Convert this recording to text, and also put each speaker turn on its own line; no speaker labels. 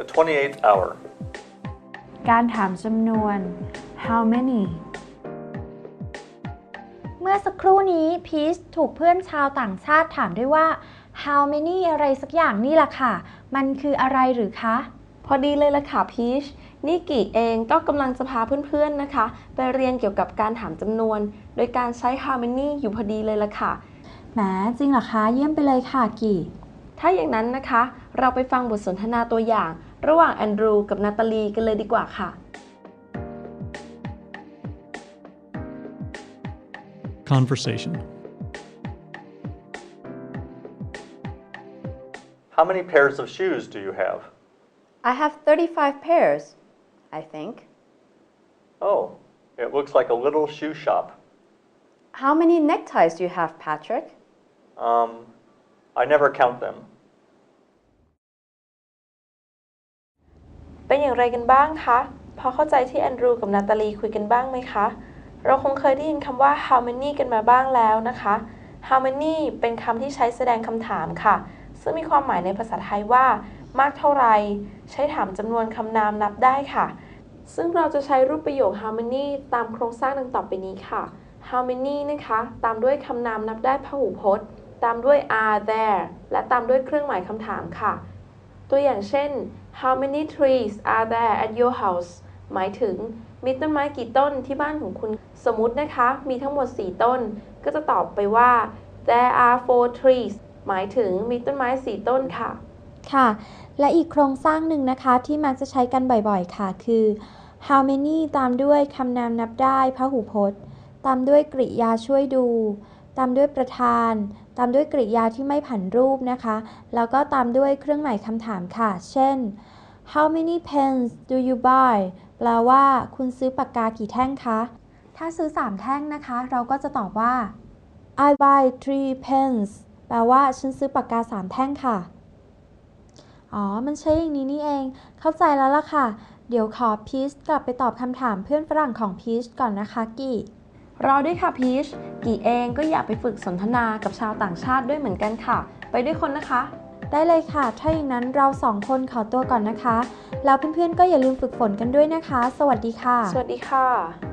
The 28th hour.
การถามจำนวน how many
เมื่อสักครู่นี้พีชถูกเพื่อนชาวต่างชาติถามด้วยว่า how many อะไรสักอย่างนี่ล่ะค่ะมันคืออะไรหรือคะ
พอดีเลยล่ะค่ะพีชนี่กี่เองก็กำลังจะพาเพื่อนๆนะคะไปเรียนเกี่ยวกับการถามจำนวนโดยการใช้ how many อยู่พอดีเลยล่ะค่ะ
แหมจริงเหรอคะเยี่ยมไปเลยค่ะกี่
ถ้าอย่างนั้นนะคะเราไปฟังบทสนทนาตัวอย่างระหว่างแอนดรูกับนาตาลีกันเลยดีกว่าค่ะ
Conversation.
How many pairs of shoes do you have?
I have 35 pairs, I think.
Oh, it looks like a little shoe shop.
How many neckties do you have, Patrick?
I never count them.
เป็นอย่างไรกันบ้างคะพอเข้าใจที่แอนดรูกับนาตาลีคุยกันบ้างไหมคะเราคงเคยได้ยินคำว่า how many กันมาบ้างแล้วนะคะ how many เป็นคำที่ใช้แสดงคำถามค่ะซึ่งมีความหมายในภาษาไทยว่ามากเท่าไรใช้ถามจำนวนคำนามนับได้ค่ะซึ่งเราจะใช้รูปประโยค how many ตามโครงสร้างดังต่อไปนี้ค่ะ how many นะคะตามด้วยคำนามนับได้พหูพจน์ตามด้วย are there และตามด้วยเครื่องหมายคำถามค่ะตัวอย่างเช่น how many trees are there at your house หมายถึงมีต้นไม้กี่ต้นที่บ้านของคุณสมมุตินะคะมีทั้งหมด4ต้นก็จะตอบไปว่า there are 4 trees หมายถึงมีต้นไม้4ต้นค่ะ
ค่ะและอีกโครงสร้างหนึ่งนะคะที่มักจะใช้กันบ่อยๆค่ะคือ how many ตามด้วยคำนามนับได้พหูพจน์ตามด้วยกริยาช่วยดูตามด้วยประธานตามด้วยกริยาที่ไม่ผันรูปนะคะแล้วก็ตามด้วยเครื่องหมายคำถามค่ะเช่น how many pens do you buy แปลว่าคุณซื้อปากกากี่แท่งคะถ้าซื้อ3แท่งนะคะเราก็จะตอบว่า I buy 3 pens แปลว่าฉันซื้อปากกา3แท่งค่ะมันใช้อย่างนี้นี่เองเข้าใจแล้วล่ะค่ะเดี๋ยวขอพีชกลับไปตอบคำถามเพื่อนฝรั่งของพีชก่อนนะคะกี่
รอด้วยค่ะพีชกี่เองก็อยากไปฝึกสนทนากับชาวต่างชาติด้วยเหมือนกันค่ะไปด้วยคนนะคะ
ได้เลยค่ะถ้าอย่างนั้นเรา2คนขอตัวก่อนนะคะแล้วเพื่อนๆก็อย่าลืมฝึกฝนกันด้วยนะคะสวัสดีค่ะ
สวัสดีค่ะ